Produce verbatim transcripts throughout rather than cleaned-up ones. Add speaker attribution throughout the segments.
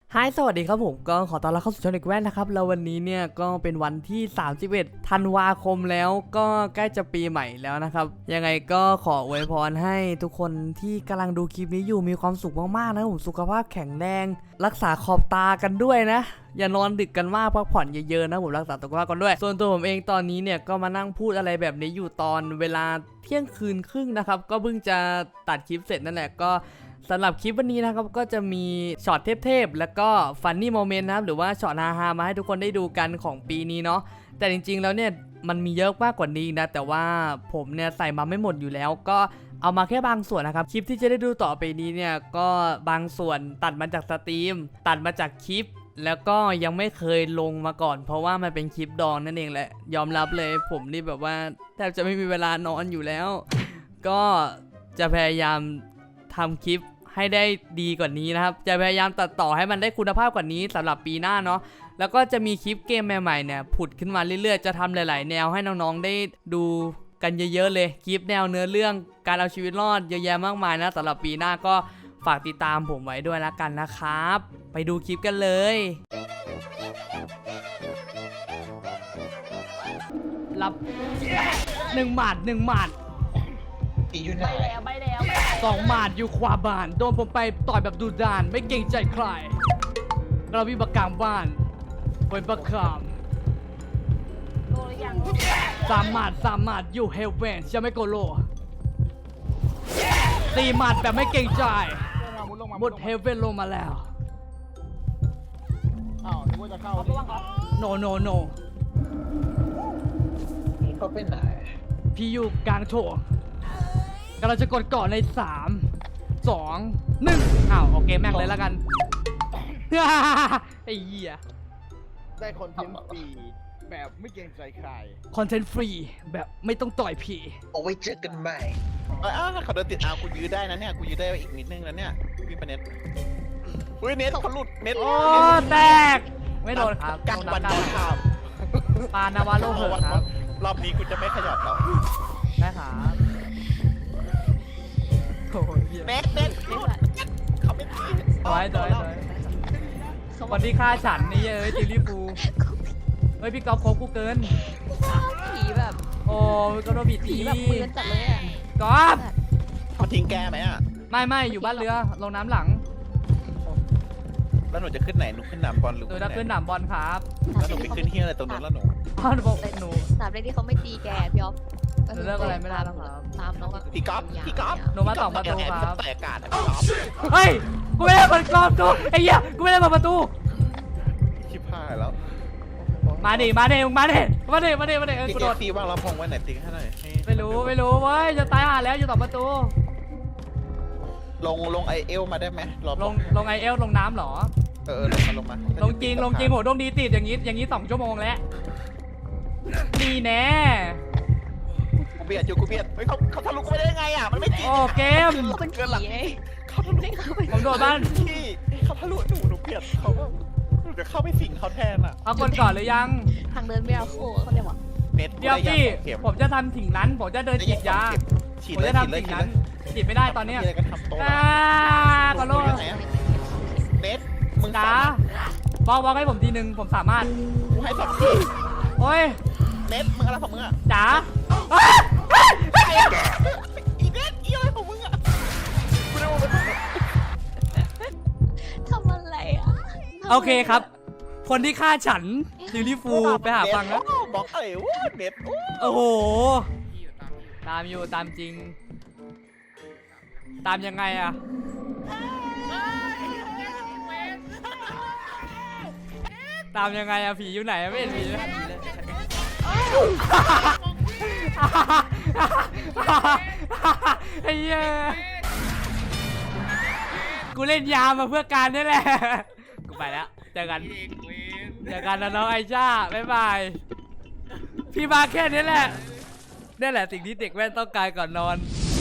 Speaker 1: ฮายสวัสดีครับผมก็ขอต้อนรับเข้าสู่ช่องเด็กแว่นนะครับแล้ววันนี้เนี่ยก็เป็นวันที่สามสิบเอ็ดธันวาคมแล้วก็ใกล้จะปีใหม่แล้วนะครับยังไงก็ขออวยพรให้ทุกคนที่กำลังดูคลิปนี้อยู่มีความสุขมากๆนะผมสุขภาพแข็งแรงรักษาขอบตากันด้วยนะอย่านอนดึกกันมากพักผ่อนเยอะๆนะผมรักษาสุขภาพกันด้วยส่วนตัวผมเองตอนนี้เนี่ยก็มานั่งพูดอะไรแบบนี้อยู่ตอนเวลาเที่ยงคืนครึ่งนะครับก็เพิ่งจะตัดคลิปเสร็จนั่นแหละก็สำหรับคลิปวันนี้นะครับก็จะมีช็อตเทพๆแล้วก็ฟันนี่โมเมนต์นะครับหรือว่าช็อตฮาๆมาให้ทุกคนได้ดูกันของปีนี้เนาะแต่จริงๆแล้วเนี่ยมันมีเยอะมากกว่านี้นะแต่ว่าผมเนี่ยใส่มาไม่หมดอยู่แล้วก็เอามาแค่บางส่วนนะครับคลิปที่จะได้ดูต่อไปนี้เนี่ยก็บางส่วนตัดมาจากสตรีมตัดมาจากคลิปแล้วก็ยังไม่เคยลงมาก่อนเพราะว่ามันเป็นคลิปดองนั่นเองแหละยอมรับเลยผมนี่แบบว่าแทบจะไม่มีเวลานอนอยู่แล้วก็จะพยายามทำคลิปให้ได้ดีกว่านี้นะครับจะพยายามตัดต่อให้มันได้คุณภาพกว่านี้สำหรับปีหน้าเนาะแล้วก็จะมีคลิปเกมใหม่ๆเนี่ยผุดขึ้นมาเรื่อยๆจะทำหลายๆแนวให้น้องๆได้ดูกันเยอะๆเลยคลิปแนวเนื้อเรื่องการเอาชีวิตรอดเยอะแยะมากมายนะสำหรับปีหน้าก็ฝากติดตามผมไว้ด้วยละกันนะครับไปดูคลิปกันเลยรับหนึ่งหมัดหนึ่งหมัด
Speaker 2: ตีอยู่ไหน
Speaker 3: ใบแล้วใบแล้ว
Speaker 1: สองหมาดอยู่ขวาบ้านโดนผมไปต่อยแบบดุดันไม่เกรงใจใครเราวิบากกลางบ้านเป็นประคาม
Speaker 3: โลหรือยัง
Speaker 1: สามหมาดสามหมาดอยู่เฮลเวนจะไม่โกโลสี่หมาดแบบไม่เกรงใจหมดเฮลเวนลงมาแล้ว
Speaker 2: อ้าวนึกว่าจะเข้า
Speaker 3: ระวังครับ
Speaker 1: no no no
Speaker 2: นี่เขาไปไหน
Speaker 1: พี่อยู่กลางโถงกำลังจะกดก่อนในสามสองหนึ่งอ้าวโอเคแม่งเลยแล้วกัน ไอ้เหี้ย
Speaker 2: ได้คอนเทนต์ฟรีแบบไม่เกรงใจใคร
Speaker 1: คอนเทนต์ฟรีแบบไม่ต้องต่อยผี
Speaker 2: เอาไว้เจอกันใหม่
Speaker 4: เอ้าเขาเดินติดเอากูยื้อได้นะเนี่ยกูยื้อได้อีกนิดนึงแล้วเนี่ยพี่ปะเน็ตอุ้ยเน็ตเขาหลุดเน็ต
Speaker 1: โอ้แตกไม่โดนครับ
Speaker 4: กลางวัน
Speaker 1: โด
Speaker 4: โด
Speaker 1: น
Speaker 4: น
Speaker 1: ค
Speaker 4: ข่
Speaker 1: รั
Speaker 4: าว
Speaker 1: บปานาวาโลเหอะครับ
Speaker 4: รอบนี้กูจะไม่ขยับแล้ว
Speaker 1: ได้ครับโอ้ยเหี้ย
Speaker 4: เน็ตเน็ตหลุดเขาไม่ตี
Speaker 1: ถอยถอยถอยสวัสดีค่าฉันนี่เอ้ยจิลลี่ฟูเฮ้ยพี่ก๊อฟโคกูเกิน
Speaker 3: ผีแบบ
Speaker 1: โอ้ยก็โดนบี
Speaker 3: ผี
Speaker 1: ตี
Speaker 3: แบบปืนจัดเลยอ่ะ
Speaker 1: ก๊อฟ
Speaker 4: เขาทิ้งแกไหมอ่ะ
Speaker 1: ไม่ไม่อยู่บ้านเรือลงน้ำหลัง
Speaker 4: แล้วหนูจะขึ้นไหนหนูขึ้นหนามบอลหรือ
Speaker 1: หนูจะขึ้นหนามบอลครับ
Speaker 4: แล้วหนูไปขึ้นเฮียอะไรตรงนู้นแล้วหนู
Speaker 1: พ่อหนูบอกหนู
Speaker 3: สามเลขที่เขาไม่ตีแกพี่อ๊อฟ
Speaker 1: หนูเลิกอะไรไม่ได้แล้วครับ
Speaker 3: ตามน้องอะ
Speaker 4: พี่ก๊อฟพี่ก๊อฟ
Speaker 1: หนูมาสองประตูครับ
Speaker 4: แต่อากาศนะพี่ก๊อฟ
Speaker 1: เฮ้ยกูไม่ได้เปิดกรอบตูไอ้เหี้ยกูไม่ได้เปิดประตู
Speaker 4: ชิบหายแล้ว
Speaker 1: มาดิมาดิมึงมาดิมาดิมาดิมาดิเออ
Speaker 4: พี่
Speaker 1: กู
Speaker 4: เก
Speaker 1: โด
Speaker 4: ด
Speaker 1: ด
Speaker 4: ตีว่างลำพงไว้ไหนตีให้หน่อยให้
Speaker 1: ไม่รู้ไม่รู้เว้ยจะตายห่าแล้วอยู่ต่อประตู
Speaker 4: ลงลงไอเอลมาได้ไหมรอ
Speaker 1: ลงลงไอเอลลงน้ำเหรอ
Speaker 4: เออลงมาลงมา
Speaker 1: ลงจริงลงจริงโหดวงดีติดอย่างงี้อย่างงี้สองชั่วโมงแล้วนี่แน่
Speaker 4: กูเบียดอยู่กูเบียดเฮ้ยเขาเขาทะลุกูไปได้ยังไงอ่ะมันไม่จริง
Speaker 1: โอ้เกม
Speaker 3: เขาเป็นผีไง
Speaker 4: เขาทะลุ
Speaker 3: ไม่เข้าไป
Speaker 1: ผมโดดบ้าน
Speaker 4: พี่เขาทะลุหนูหนูเบียดเขาหนูจะเข้าไปสิงเขาแทนอ่ะ
Speaker 1: เอาคนก่อนหรือยัง
Speaker 3: ทางเดินไม่เอาโค้เขาเรียกว่า
Speaker 4: เน็ต
Speaker 1: เดี๋ยวพี่ผมจะทำสิ่งนั้นผมจะเดินฉีดยา
Speaker 4: ฉีด
Speaker 1: ผม
Speaker 4: เลย
Speaker 1: จะ
Speaker 4: ฉีด
Speaker 1: ทำ
Speaker 4: เลย
Speaker 1: สิ่ง
Speaker 4: ฉีด
Speaker 1: นั้น
Speaker 4: เลย
Speaker 1: ฉีดไม่ได้ตอนเนี้ย
Speaker 4: มีอะไรก็ทำโต๊ะ
Speaker 1: อ่าขอโทษ
Speaker 4: เน็ตมึง
Speaker 1: จ๋าบอกบอกให้ผมทีนึงผมสามารถ
Speaker 4: กูให้สองที
Speaker 1: โอ้ย
Speaker 4: เน็ตมึงอะไรของมึงอ่ะ
Speaker 1: จ๋า
Speaker 4: อีเน็ตอีอะไรของมึงอ่ะกูได้ว่ามัน
Speaker 3: ทำอะไรอ่ะ
Speaker 1: โอเคครับ คนที่ฆ่าฉันซิลลี่ฟูไปหาฟังนะ
Speaker 4: บอกอะไรวะเน็ต
Speaker 1: โอ้โหตามอยู่ตามจริง ตามยังไงอะตามยังไงอะผีอยู่ไหนอะไม่เห็นผีเลยไอ้เหี้ยกูเล่นยามาเพื่อการนี่แหละกูไปแล้วเจอกันเจอกันนะน้องไอช่าบ๊ายบายพี่มาแค่นี้แหละนี่แหละสิ่งที่เด็กแว่นต้องการก่อนนอน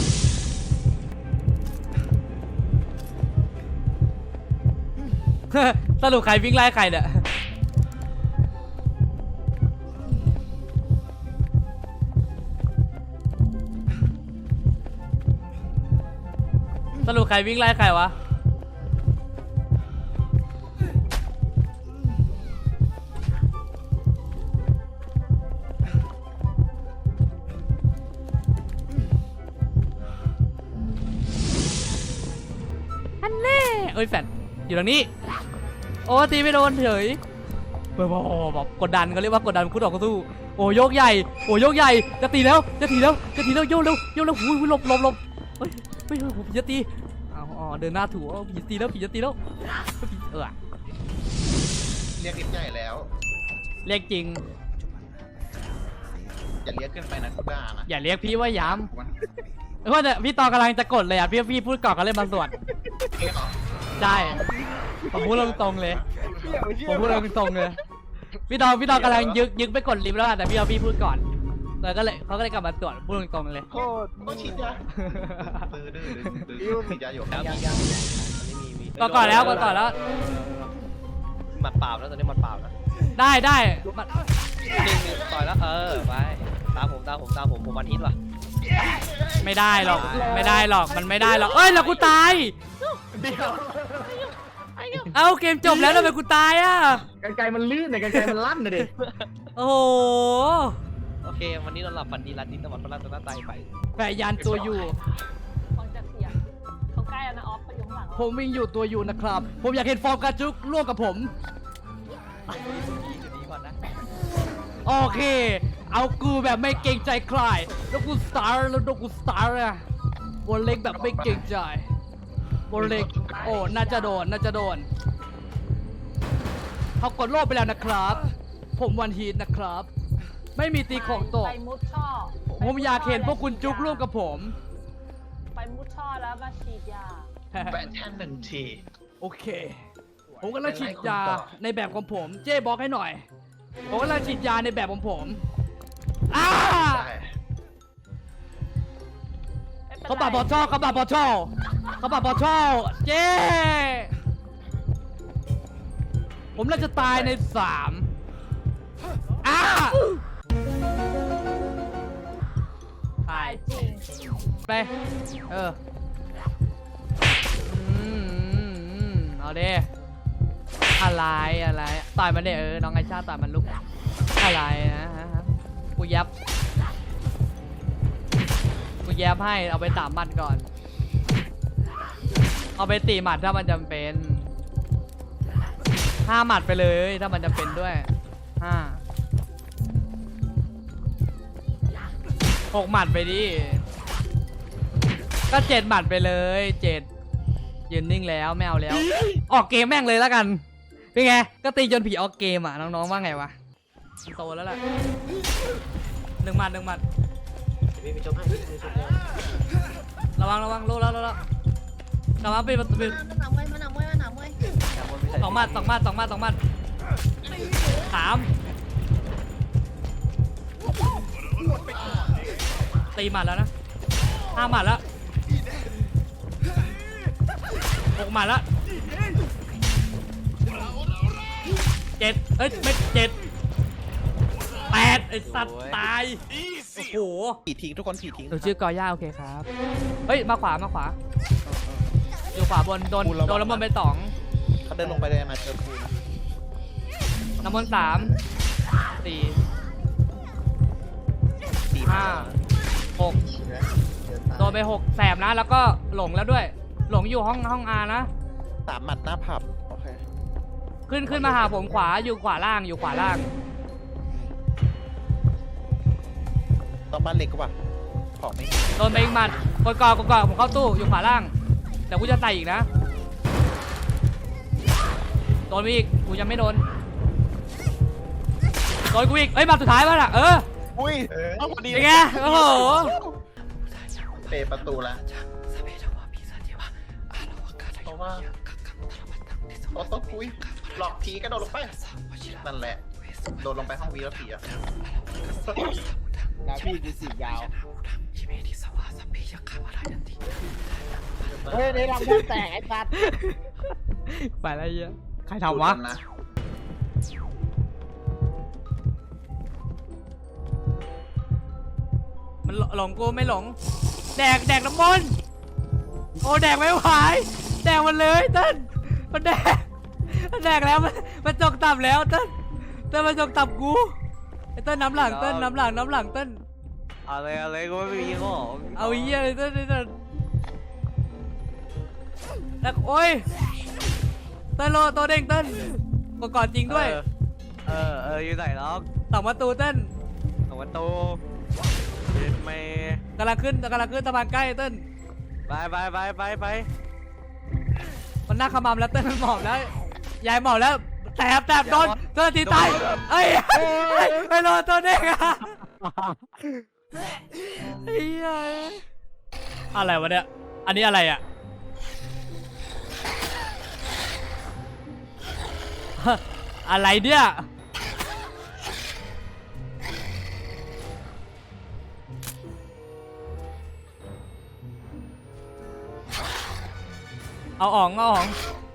Speaker 1: สรุปใครวิ่งไล่ใครเนี่ยสรุปใครวิ่งไล่ใครวะเอ้ยแฟดอยู่ตรงนี้โอ้ตีไม่โดนเฉยแบบแบบกดดันเขาเรียกว่ากดดันคู่ต่อสู้โอ้โยกใหญ่โอ้โยกใหญ่จะตีแล้วจะตีแล้วจะตีแล้วโยกเร็วโยกเร็วหุยหลบหลบหลบเฮ้ยเฮ้ยผีจะตีอ๋อเดินหน้าถูผีตีแล้วผีจะตีแล้วเออ
Speaker 4: เรียกนิดใหญ่แล้ว
Speaker 1: เรียกจริง
Speaker 4: อย่าเรียกขึ้นไปนะคุณด่านะ
Speaker 1: อย่าเรียกพี่ว่าย้ำเพราะแต่พี่ตอนกำลังจะกดเลยอ่ะพี่พี่พูดก่อนก็เลยมาสวด
Speaker 4: เรียกเหรอ
Speaker 1: ใช่ผมพูดตรงๆเลยผมพูดตรงๆเลยพี่ตองพี่ตองกำลังยึกยึกไปกดลิฟต์แล้วแต่พี่เอาพี่พูดก่อนแล้วก็เลยเขาก็เลยกลับมาตรวจพูดตรงๆเลย
Speaker 2: โคตร
Speaker 4: ต้องฉีดยาตื้อดื้อดื้อฉีดยาอยู่
Speaker 5: ยังยังยังไม่มีมี
Speaker 1: ก็ก่อนแล้วก็ก่อนแล้ว
Speaker 5: หมัดเปล่าแล้วตอนนี้หมัดเปล่านะ
Speaker 1: ได้ได้มัน
Speaker 5: หนึ่งหนึ่งต่อยแล้วเออไปตามผมตามผมตามผมผมวันฮิตว่ะ
Speaker 1: ไม่ได้หรอกไม่ได้หรอกมันไม่ได้หรอกเอ้ยแล้วกูตายเอ้าเกมจบแล้วทำไมกูตายอ่ะ
Speaker 2: กันไกลมันลื่นเนี่ยกันไกลมันลั่นนะดิ
Speaker 1: โอ้โห
Speaker 5: โอเควันนี้เราหลับฝันดีรันดิ้นตะวันพระราชนาไตไป
Speaker 1: แปะยันตัวอยู่
Speaker 3: ฟังจากเสียงเขาใกล้แล้วนะออฟเขาอยู่ข้างหลัง
Speaker 1: ผมวิ่งอยู่ตัวอยู่นะครับ ผมอยากเห็นฟอร์มการจุกร่วมกับผม
Speaker 5: ดีก่อนนะ
Speaker 1: โอเค เอากูแบบไม่เกรงใจใครแล้วกูสตาร์แล้วกูสตาร์อะบนเล็กแบบไม่เกรงใจบนเล็กโอ้น่าจะโดนน่าจะโดนเขากดโลบไปแล้วนะครับ ผมวันฮีทนะครับ ไม่มีตีของตก
Speaker 3: ไปมุดช่อ
Speaker 1: ผมอยากเห็นพวกคุณจุกร่วมกับผม
Speaker 3: ไปมุดช่อแล้วมาฉีดยา
Speaker 4: แปะแท่นหนึ่งที
Speaker 1: โอเค ผมกำลังฉีดยาในแบบของผม เจ๊บอกให้หน่อย ผมกำลังฉีดยาในแบบของผมอ้า
Speaker 4: ได้
Speaker 1: เขาปาบอชอเขาปาบอชอเขาปาบอชอเจ๊ผมน่าจะตายในสามอ้าตาย
Speaker 3: จริง
Speaker 1: ไป เออ อืมอืมอืมเอาเด้อะไร อะไร ต่อยมันเด้เออ น้องไอชาต่อยมันลุก อะไรนะฮะกูยับ กูแยบให้ เอาไปสามหมัดก่อน เอาไปตีหมัดถ้ามันจำเป็นห้าหมัดไปเลยถ้ามันจำเป็นด้วยห้าหกหมัดไปดิ ก็เจ็ดหมัดไปเลยเจ็ดยืนนิ่งแล้วไม่เอาแล้ว ออกเกมแม่งเลยแล้วกันเป็นไงก็ตีจนผีออกเกมอ่ะน้องๆว่าไงวะโตแล้วแหละหนึ่งหมัดหนึ่งหมัด
Speaker 5: พี่ไปชมให้พี่ไปชมให้
Speaker 1: ระวังระวังโลแล้วโลแล้วระวังปิดประตูปิด
Speaker 3: มันหนาวมวยมันหนาวมวยมันหนาวมวย
Speaker 1: สองหมัดสองหมัดสองหมัดสองหมัดสามตีหมัดแล้วนะห้าหมัดแล้วหกหมัดแล้วเจ็ดเอ้ยไม่เจ็ดแปดไอ้สัตว์ตายโอ้โห
Speaker 4: ผีทิ้งทุกคนผีทิ้ง
Speaker 1: หนูชื่อกอย่าโอเคครับเฮ้ยมาขวามาขวาอยู่ขวาบนโดนโดนน้ำมันต์ไปสอง
Speaker 4: เขาเดินลงไปเลยมาเจอคุณ
Speaker 1: น้ำมันต์สามสี่
Speaker 4: สี่
Speaker 1: ห้าหกโดนไปหกแสบนะแล้วก็หลงแล้วด้วย หลงอยู่ห้องห้องอานะ
Speaker 4: สามหมัดหน้าผับโอเค
Speaker 1: ขึ้นขึ้นมาหาผมขวาอยู่ขวาล่างอยู่ขวาล่าง
Speaker 4: ต้องบ้านเล็กกว่าของไม่มี
Speaker 1: โดนไปอีกหมัดกดกอกดกอผมเข้าตู้อยู่ขวาล่างแต่กูจะใส่อีกนะโดนไปอีกกูยังไม่โดนโดนกูอีกเอ้ยหมาสุดท้ายป่ะล่ะเออ
Speaker 4: อุ้ยเอาพอดี
Speaker 1: เป็นไงโอ้โห
Speaker 4: เปะประตูละเพราะว่าโอ้ต้องคุยหลอกผีกระโดดลงไปนั่นแหละโดดลงไปห้องวีแล้วผีอะ
Speaker 2: แล้วพี่จะสียาวเฮ้ยในลำพูดแตกไอ้สัตว์
Speaker 1: ไปอะไรเยอะใครทำวะ
Speaker 4: นะ
Speaker 1: มันหลงกูไม่หลงแดกแดกน้ำมนต์โอ้แดกไม่ไหวแดกมันเลยเต้นมันแดกมันแดกแล้วมันมันจกตับแล้วเต้นเต้นมันจกตับกูไอ้เต้นน้ำหลังเต้นน้ำหลังน้ำหลังเต้น
Speaker 5: อะไรอะไรก็ไม่มีของ
Speaker 1: เอาไอ้เหี้ยเลยเต้นเต้นเต้นแล้วโอ้ยเต้นโลตัวเด้งเต้นกดก่อนจริงด้วย
Speaker 5: เออเอออยู่ไหนล็อก
Speaker 1: สองประตูเต้น
Speaker 5: สองประตูเย็นเมย์
Speaker 1: กำลังขึ้นกำลังขึ้นสะพานใกล้เต้น
Speaker 5: ไปไปไปไปไป
Speaker 1: มันหน้าขมำแล้วเต้นมันหมอบแล้วยายหมอบแล้วแตบแตบโดนโดนทีตายเอ้ยไปโดนตัวเด้งอะเฮ้ยอะไรวะเนี่ยอันนี้อะไรอะอะไรเนี่ยเอาอ่องเอาอ่อง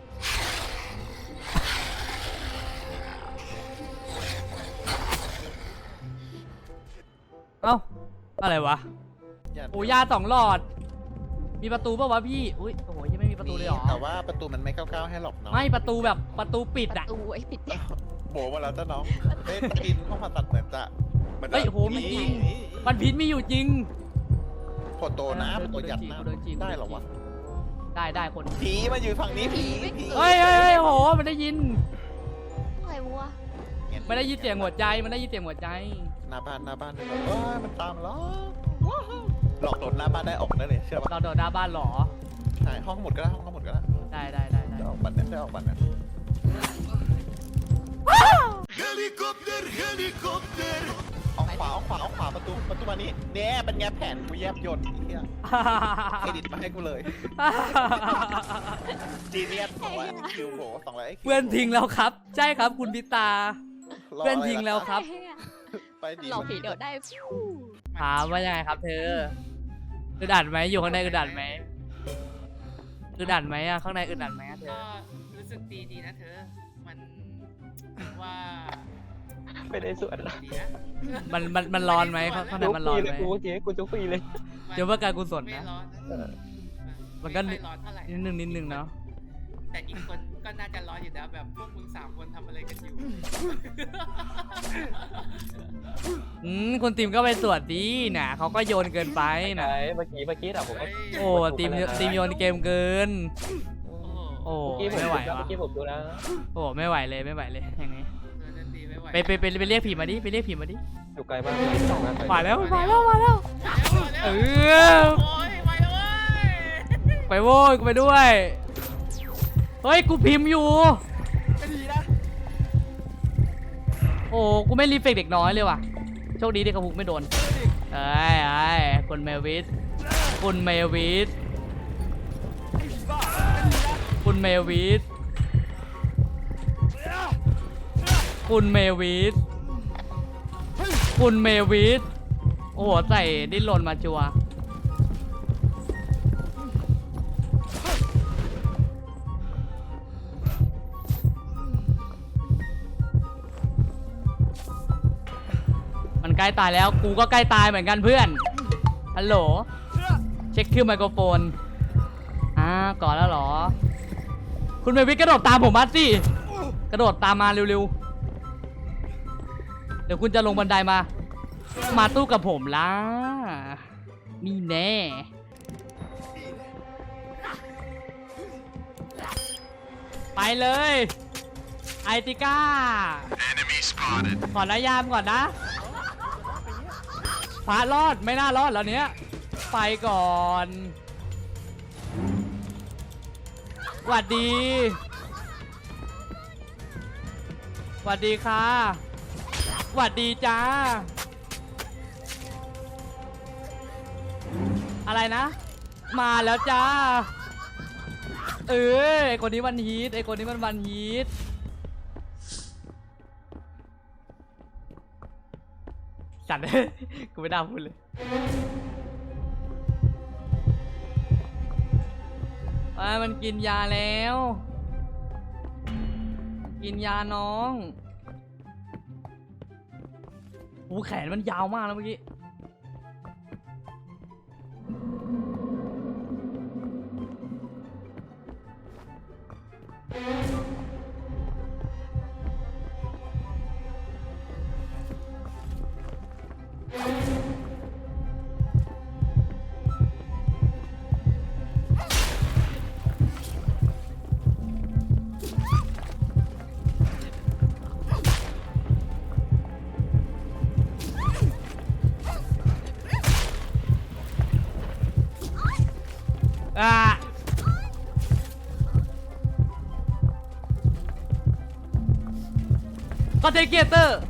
Speaker 1: เอ้าอะไรวะ
Speaker 4: อย่า
Speaker 1: โอ้ยาสองหลอด มีประตูป่าวะพี่อุ้ยโอ้โหยังไม่มีประตูเลยเหรอ
Speaker 4: แต่ว่าประตูมันไม่ก้าวๆให้หรอกเนาะ
Speaker 1: ไม่ประตูแบบประตูปิด
Speaker 6: ประ
Speaker 1: อะ
Speaker 6: ตูไอ้ปิดเนี่ย
Speaker 4: โบมาแล้วจ้ะน้องเอ้ยตะกินห้องผ่าตัดเหมือนจะเหมือนจะ
Speaker 1: เฮ้ยโหมีจริงมันพิษมีอยู่จริง
Speaker 4: โคโตนะโคโตยัดนะ
Speaker 1: โดนจีบ
Speaker 4: ได้เหรอวะ
Speaker 1: ได้ได้คน
Speaker 4: ผีมาอยู่ฝั่งนี้ผีผี
Speaker 1: เฮ้ยเฮ้ยเฮ้ยโหมันได้ยิน
Speaker 6: อะไรวะ
Speaker 1: มันได้ยินเสียงหัวใจมันได้ยินเสียงหัวใจ
Speaker 4: หน้าบ้านหน้าบ้านเลยเอ้ยมันตามแล้วว้าวหลอกโดนหน้าบ้านได้ออกได้เลยเชื่อปะ
Speaker 1: เราโดดหน้าบ้านเหรอ
Speaker 4: ใช่ห้องหมดก็ได้ห้องหมดก็ได้
Speaker 1: ได้ได้ได้ได้
Speaker 4: ได้ออกบัตรเนี่ยได้ออกบัตรเนี่ยออกขวาออกขวาออกขวาประตูประตูมานี้เนี่ยเป็นไงแผนกูแยบยนต์ไอ้เหี้ยเครดิตมาให้กูเลยจีเนียสสองร้อยคิวโบสองร้อยคิว
Speaker 1: เพื่อนทิ้งแล้วครับ ใช่ครับคุณพิตา เพื่อนทิ้งแล้วครับ
Speaker 4: ไปดี
Speaker 6: หลอกผีเดี๋ยวได้ฟิว
Speaker 1: ถามว่ายังไงครับเธออึดอัดไหมอยู่ข้างในอึดอัดไหมอึดอัดไหมอะข้างในอึดอัดไหมอะเธอ
Speaker 7: ก็รู้สึกดีดีนะเธอ มันว่า
Speaker 5: ไม่ได้สวด
Speaker 7: ดีนะ
Speaker 1: มันมันมันร้อนไหมข้างข้างในมันร้อนไหม
Speaker 5: กูเมื่อกี้กูจุกฟรีเลย
Speaker 1: เดี๋ยวว่าการกุศล
Speaker 7: ไม่
Speaker 1: นะ
Speaker 7: ร้อนนะ
Speaker 1: มันก็
Speaker 7: ไม่ค่อยร้อนเท่าไหร่
Speaker 1: นิดนึงนิดนึงเนาะ
Speaker 7: แต่อีกคนก็น่าจะร้อนอยู่นะแบบพวกมึงสามคนทำอะไรกันอยู่
Speaker 1: อืมคุณติมก็ไปตรวจดีนะเขาก็โยนเกินไป
Speaker 5: ไหน
Speaker 1: นะ
Speaker 5: เมื่อกี้เมื่อกี้อะผมก็
Speaker 1: โอ้ติมติมโยนเกมเกิน
Speaker 7: โอ้โห
Speaker 1: โอ้
Speaker 5: เมื่อกี้ผม
Speaker 1: ไม่ไหว
Speaker 5: ดูนะ
Speaker 1: วะ
Speaker 5: เมื่อกี้ผมดูนะ
Speaker 1: โอ้ไม่ไหวเลยไม่ไหวเลยอย่างงี้
Speaker 7: เธอนั่นดีไม่ไหว
Speaker 1: ไปไปไปไปเรียกผีมาดิไปเรียกผีมาดิ
Speaker 5: อยู่ไกลมากเลยสองนัด
Speaker 1: มาแล้วมาแล้วมาแล้วเออ
Speaker 7: โอ้ยไปแล้วเว้ย
Speaker 1: ไปโว้ยกูไปด้วยเฮ้ยกูพิมพ์อยู่
Speaker 2: ไม่ดีนะ
Speaker 1: โอ้กูไม่รีเฟกเด็กน้อยเลยว่ะโชคดีที่กระพุกไม่โดนเอ้ยไอ้ยคุณเมวิสคุณเมวิสคุณเมวิสคุณเมวิสคุณเมวิสโอ้โหใส่ดิ้นรนมาจัวมันใกล้ตายแล้วกูก็ใกล้ตายเหมือนกันเพื่อนฮัลโหลเช็คคิวไมโครโฟนอ่าก่อนแล้วเหรอคุณเมวิสกระโดดตามผมมาสิกระโดดตามมาเร็วๆเดี๋ยวคุณจะลงบันไดมา มาตู้กับผมล่ะนี่แน่ไปเลยไอติก้าขอระยามก่อนนะพระรอดไม่น่ารอดแล้วเนี้ยไปก่อนหวัดดีหวัดดีค่ะหวัดดีจ้าอะไรนะ มาแล้วจ้าเออไอคนนี้มันฮีทไอคนนี้มันวันฮีทจัดเลย กูไม่ได้พูดเลยอ่ามันกินยาแล้ว กินยาน้องโอ้แขนมันยาวมากแล้วเมื่อกี้คอนเทนต์ครีเอเตอร์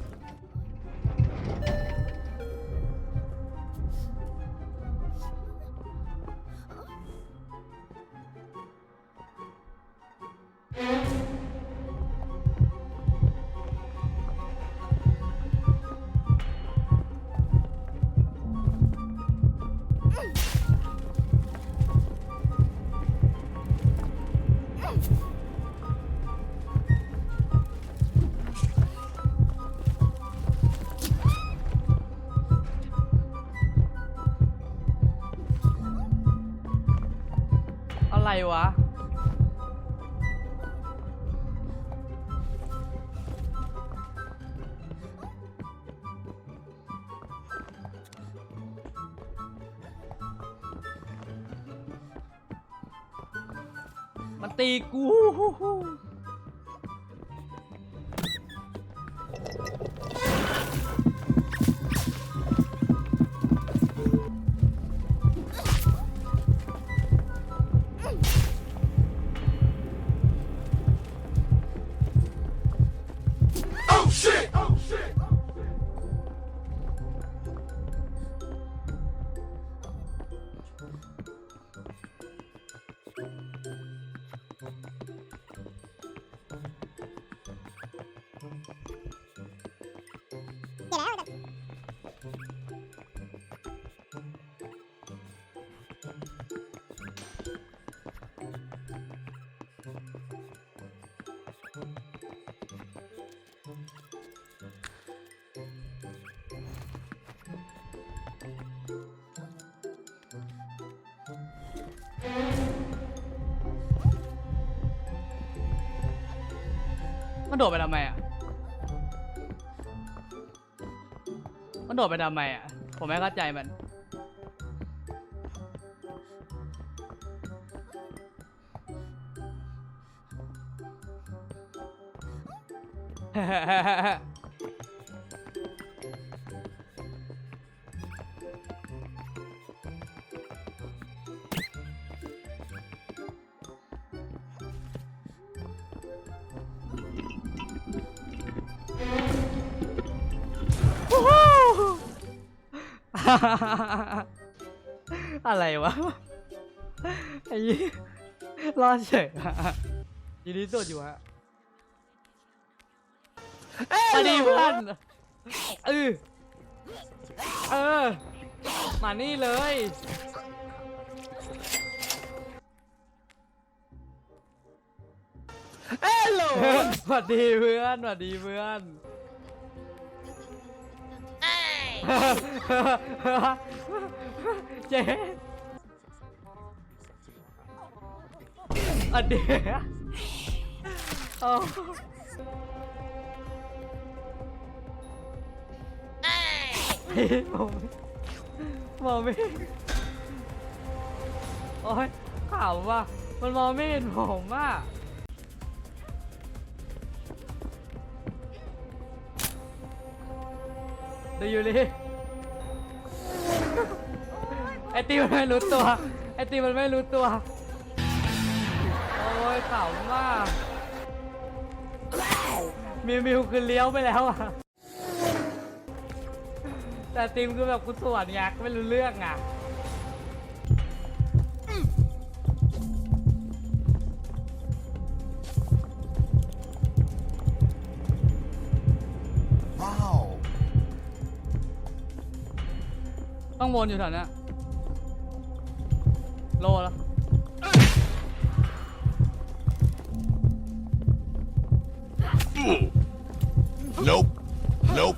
Speaker 1: อะไรวะ มันตีกู มันโดดไปทำไมอ่ะ มันโดดไปทำไมอ่ะ ผมไม่เข้าใจมัน อะไรวะ ไอ้ยี่รอดเฉยอะยินดีสุดอยู่ฮะมาดีเพื่อนเออเออ มานี่เลยเอ้โหสวัสดีเพื่อนสวัสดีเพื่อนเจ๊อันเดียโอ้มองมองไม่โอ้ยข่าวว่ะมันมองไม่เห็นผมว่ะดูอยู่ดิไอตีมันไม่รู้ตัวไอตีมันไม่รู้ตัวโอ้ยขำมากมิวมิวคือเลี้ยวไปแล้วอ่ะแต่ตีมคือแบบกูสวนไงไม่รู้เรื่องอ่ะต้องวนอยู่แถวนี้โลแล้ว
Speaker 8: Nope. Nope.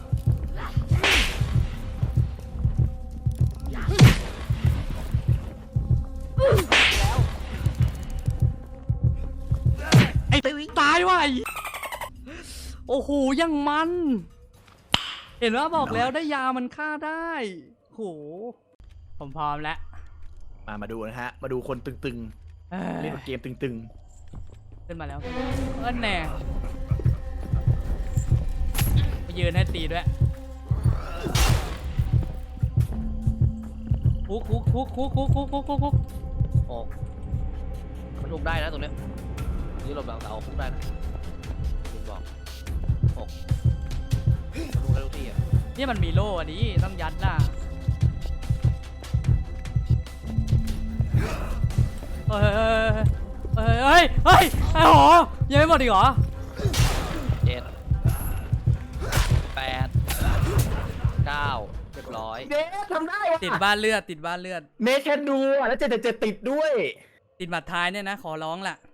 Speaker 1: ไอ้ตายว่ะโอ้โหยังมัน เห็นว่าบอกแล้วได้ยามันฆ่าได้โหผมพร้อมแล้ว
Speaker 2: มามาดูนะฮะ มาดูคนตึง
Speaker 1: เอ้ย
Speaker 2: ๆ เล่นเกมตึง
Speaker 1: ขึ้นมาแล้วเอิ้นแน่มายืนให้ตีด้วยคุกคุกคุกคุกคุกคุกคุกคุกคุก
Speaker 5: โอ้มันลุกได้นะตรงเนี้ยนี่หลบหลังเสาคุกได้นะคุณบอกหกรู้กันทุกที่อ่ะ
Speaker 1: เนี่ยมันมีโล่อันนี้ต้องยัดน่ะเฮ้ยเฮ้ยเฮ้ยเฮ้ยไอ้หอยังไม่หมดอีกเหรอ
Speaker 5: เจ็ดแปดเก้าเรียบร้อย
Speaker 2: เดททำได้ว่ะ
Speaker 1: ติดบ้านเลือดติดบ้านเลือด
Speaker 2: เนทแค่ดูอ่ะแล้วเจ็ดเจ็ดติดด้วย
Speaker 1: ติดบัตรท้ายเนี่ยนะขอร้องแหละ